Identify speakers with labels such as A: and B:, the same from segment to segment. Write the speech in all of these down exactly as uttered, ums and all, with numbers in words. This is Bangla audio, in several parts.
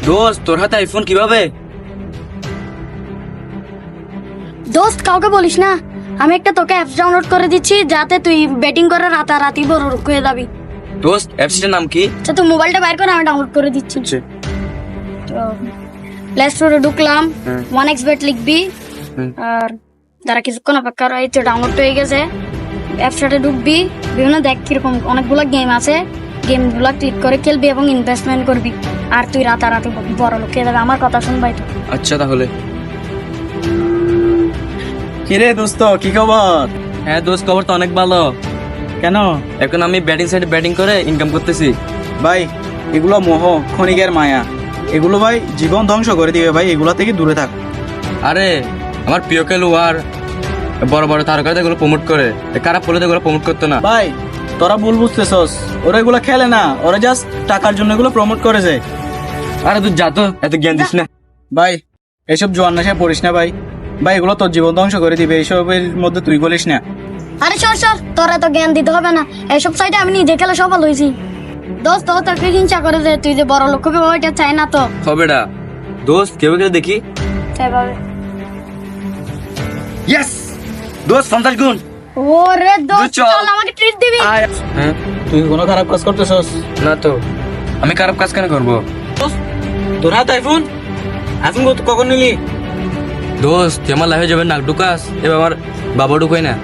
A: দোস্ত তোর হাতে আইফোন কিভাবে?
B: দোস্ত কাউকে বলিস না, আমি একটা তোকে অ্যাপস ডাউনলোড করে দিচ্ছি যাতে তুই ব্যাটিং করে রাতারাতি বড় লোক হয়ে যাবি।
A: দোস্ত অ্যাপসটার নাম কি?
B: আচ্ছা তুই মোবাইলটা বাইর করে আমি ডাউনলোড করে দিচ্ছি। তো প্লে স্টোরে ঢুকলাম, ওয়ান এক্স বেট লিখবি আর যারা কিছুক্ষণ অপেক্ষা রয়েছে ডাউনলোড হয়ে গেছে। অ্যাপসটাতে ঢুকবি, বিভিন্ন দেখ কিরকম অনেকগুলো গেম আছে, গেমগুলো ক্লিক করে খেলবি এবং ইনভেস্টমেন্ট করবি আর তুই রাতারাতি বড় লোক হয়ে যাবে। আমার কথা শুনবাই তো।
A: আচ্ছা তাহলে।
C: কিরে দোস্ত কি খবর?
A: হ্যাঁ দোস্ত খবর তো অনেক ভালো।
C: কেন?
A: এখন আমি ব্যাটিং সাইডে ব্যাটিং করে ইনকাম করতেছি।
C: ভাই এগুলো মোহ, ক্ষণিকের মায়া, এগুলো ভাই জীবন ধ্বংস করে দিবে ভাই, এগুলো থেকে দূরে থাক।
A: আরে আমার প্রিয় খেলোয়াড় বড় বড় তারকাদের এগুলো প্রমোট করে, খারাপ বলে এগুলো প্রমোট করতো না।
C: ভাই তোরা ভুল বুঝতেছস, ওরা এগুলো খেলে না, ওরা জাস্ট টাকার জন্য এগুলো প্রমোট করেছে।
A: আরে তুই যা তো, এত জ্ঞান দিস না।
C: ভাই এসব জোয়ান নেশায় পড়িস না ভাই, ভাই এগুলো তোর জীবন ধ্বংস করে দিবে, এইসবের মধ্যে তুই গলিস না।
B: আরে সর সর, তোর এত জ্ঞান দিতে হবে না, এইসব সাইডে আমি নিজে খেলে সফল হয়েছি। দোস্ত তো তোকে হিংসা করে যে তুই যে বড় লোক হবে, ওইটা চাই না তো।
A: হবে না দোস্ত, কেউ কেউ দেখি।
B: সেভাবে
A: ইয়েস দোস্ত, পঞ্চাশ গুণ।
B: ওরে দোস্ত
A: চল।
B: চল আমাকে ট্রিট দিবি।
A: হ্যাঁ
C: তুই কোনো খারাপ কাজ করতেছস?
A: না তো, আমি খারাপ কাজ কেন করবো?
C: তোর হাতে আইফোন, আইফোন কখন নিলি?
A: দোস্ত তুই আমার লাইফে যাবে নাক ঢুকাস, এবার আমার বাবা ঢুকাই না।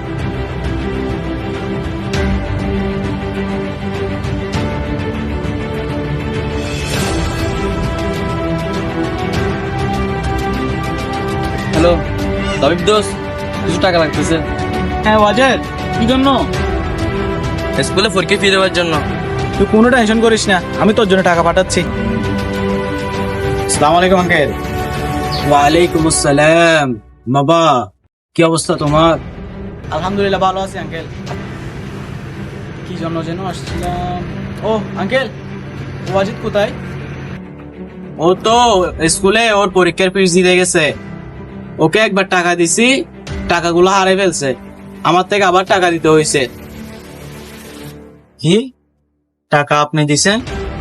A: হ্যালো তবিব দোস্ত, কিছু টাকা লাগতেছে।
C: হ্যাঁ ওয়াজের, কি জন্য?
A: স্কুলে পরীক্ষা ফি দেওয়ার জন্য।
C: তুই কোনো টেনশন করিস না, আমি তোর জন্য টাকা পাঠাচ্ছি। আসসালামু আলাইকুম আঙ্কেল। ওয়ালাইকুম আসসালাম। বাবা কি অবস্থা তোমার? আলহামদুলিল্লাহ ভালো আছি আঙ্কেল। কি জন্য যেন আসছিলাম? ও আঙ্কেল, ওয়াজিদ কোথায়? ও তো স্কুলে ওর পরীক্ষার ফিস দিতে গেছে, ওকে একবার টাকা দিছি, টাকাগুলো হারিয়ে ফেলছে, আমার থেকে আবার টাকা দিতে হয়েছে। কি টাকা আপনি দিছেন?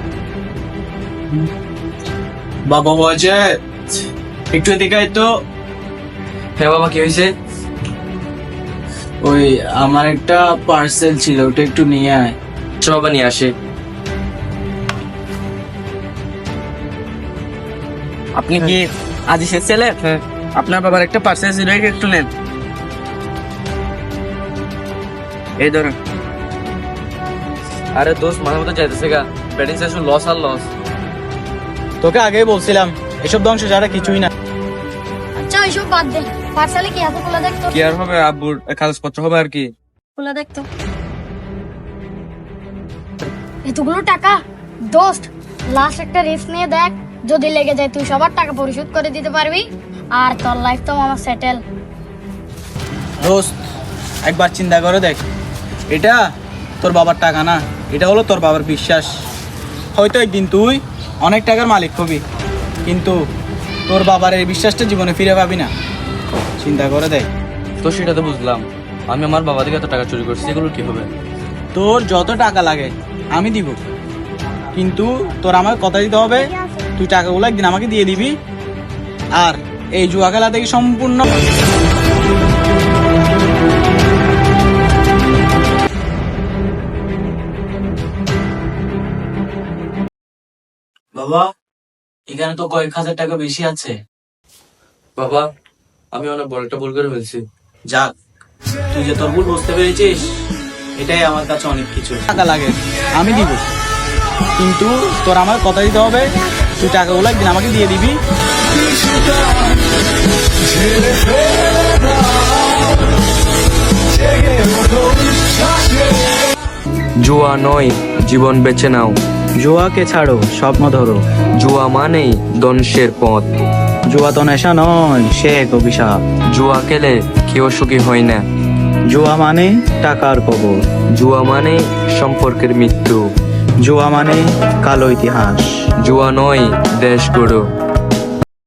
C: বাবা ওয়াজেদ একটু এদিকে আয় তো।
A: হ্যাঁ বাবা কি হয়েছে?
C: ওই আমার একটা পার্সেল ছিল, ওটা একটু নিয়ে আয়।
A: আচ্ছা বাবা নিয়ে আসে।
C: আপনি কি আজিসের ছেলে?
A: হ্যাঁ।
C: আপনার বাবার একটা পার্সেল ছিল, এটা একটু নেন। এই ধরুন।
A: আরে দোস্ত মাঝে মধ্যে যাইতেছে গা, ব্যাটিং সেশন লস আর লস।
C: তোকে আগেই বলছিলাম এসব ধ্বংস ছাড়া কিছুই না।
B: আচ্ছা এইসব বাদ দে, পার্সেলে কি এত খোলা দেখতো?
A: কি আর হবে, আব্বুর কাগজপত্র হবে আর কি।
B: খোলা দেখতো এতগুলো টাকা। দোস্ত লাস্ট একটা রিস্ক নিয়ে দেখ, যদি লেগে যায় তুই সবার টাকা পরিশোধ করে দিতে পারবি আর তোর লাইফ তো আমার সেটেল।
C: দোস্ত একবার চিন্তা করে দেখ, এটা তোর বাবার টাকা না, এটা হলো তোর বাবার বিশ্বাস। হয়তো একদিন তুই অনেক টাকার মালিক হবি, কিন্তু তোর বাবার এই বিশ্বাসটা জীবনে ফিরে পাবি না। চিন্তা করে দেখ।
A: তো সেটা তো বুঝলাম, আমি আমার বাবা থেকে এত টাকা চুরি করছি, এগুলো কি হবে?
C: তোর যত টাকা লাগে আমি দিব, কিন্তু তোর আমার কথা দিতে হবে, তুই টাকাগুলো একদিন আমাকে দিয়ে দিবি, আর এই জুয়া খেলা থেকে সম্পূর্ণ। বাবা এখানে তো কয়েক হাজার টাকা বেশি আছে।
A: বাবা আমি অনেক বড় একটা ভুল করে ফেলছি।
C: যাক, তুই যে তোর ভুল বুঝতে পেরেছিস, এটাই আমার কাছে অনেক কিছু। টাকা লাগে আমি দিব, কিন্তু তোর আমার কথা দিতে হবে, তুই টাকাগুলো একদিন আমাকে দিয়ে দিবি।
A: জুয়া নয়, জীবন বেছে নাও।
C: জুয়াকে ছাড়ো, স্বপ্ন ধরো।
A: জুয়া মানেই ধ্বংসের পথ।
C: জুয়া তো নেশা নয়, সে এক অভিশাপ।
A: জুয়া খেলে কেউ সুখী হয় না।
C: জুয়া মানে টাকার কবর।
A: জুয়া মানে সম্পর্কের মৃত্যু।
C: জুয়া মানে কালো ইতিহাস।
A: জুয়া নয়, দেশ গড়ো।